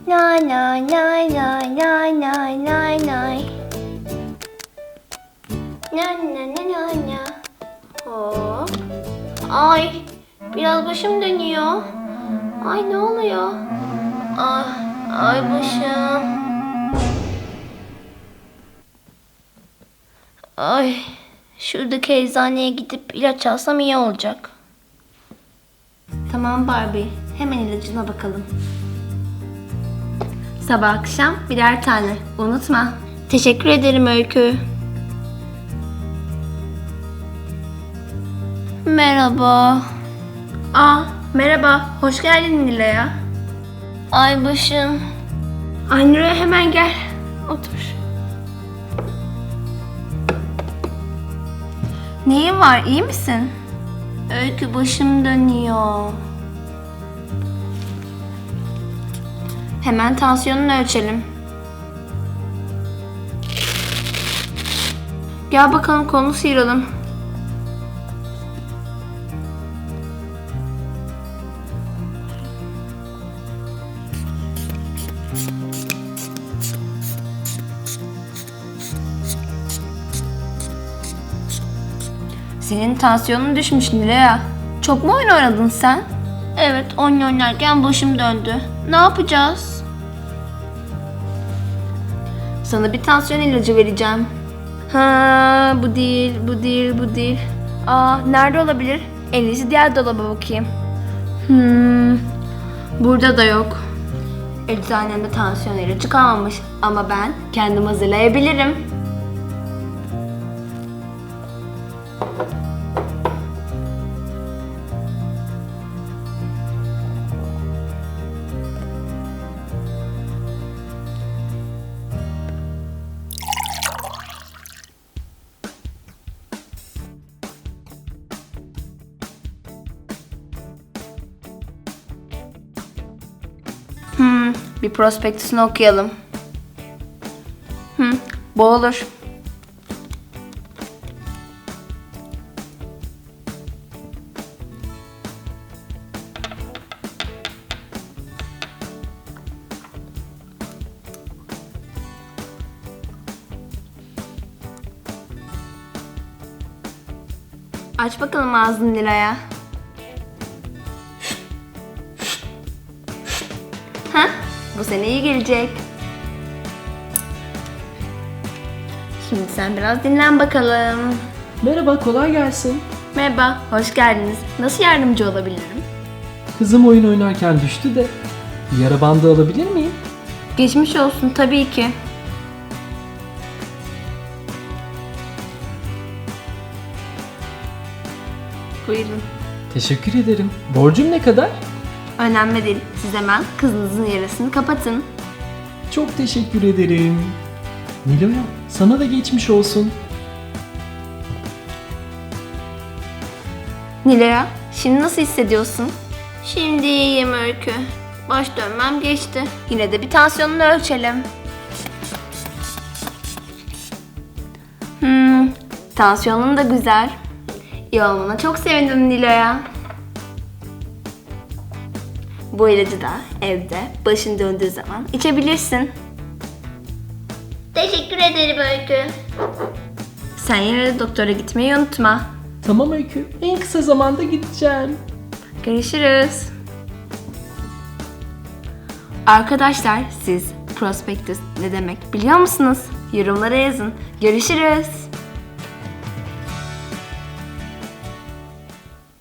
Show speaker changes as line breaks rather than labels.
Nay nay nay nay nay nay nay nay. Na na na na na. Hop. Ay, biraz başım dönüyor. Ay ne oluyor? Ay başım. Ay, şuradaki eczaneye gidip ilaç alsam iyi olacak. Tamam Barbie, hemen ilacına bakalım. Sabah akşam birer tane, unutma. Teşekkür ederim Öykü. Merhaba. Merhaba, hoş geldin Nilay'a. Ay başım. Ay Nilay hemen gel, otur. Neyin var, iyi misin? Öykü başım dönüyor. Hemen tansiyonunu ölçelim. Gel bakalım kolunu sıyıralım. Senin tansiyonun düşmüş Nilaya. Çok mu oyun oynadın sen? Evet, oyun oynarken başım döndü. Ne yapacağız? Sana bir tansiyon ilacı vereceğim. Bu değil, bu değil, bu değil. Nerede olabilir? En iyisi diğer dolaba bakayım. Burada da yok. Eczanemde tansiyon ilacı kalmamış. Ama ben kendim hazırlayabilirim. Bir prospektüsünü okuyalım. Bu olur. Aç bakalım ağzını Nilay'a. Bu sene iyi gelecek. Şimdi sen biraz dinlen bakalım.
Merhaba, kolay gelsin.
Merhaba, hoş geldiniz. Nasıl yardımcı olabilirim?
Kızım oyun oynarken düştü de bir yara bandı alabilir miyim?
Geçmiş olsun tabii ki. Buyurun.
Teşekkür ederim. Borcum ne kadar?
Önemli değil. Siz hemen kızınızın yarasını kapatın.
Çok teşekkür ederim. Nilo'ya, sana da geçmiş olsun.
Nilaya, şimdi nasıl hissediyorsun? Şimdi iyiyim Öykü. Baş dönmem geçti. Yine de bir tansiyonunu ölçelim. Tansiyonun da güzel. İyi olmana çok sevindim Nilaya. Bu ilacı da evde başın döndüğü zaman içebilirsin. Teşekkür ederim Öykü. Sen yine de doktora gitmeyi unutma.
Tamam Öykü, en kısa zamanda gideceğim.
Görüşürüz. Arkadaşlar siz prospektüs ne demek biliyor musunuz? Yorumlara yazın. Görüşürüz.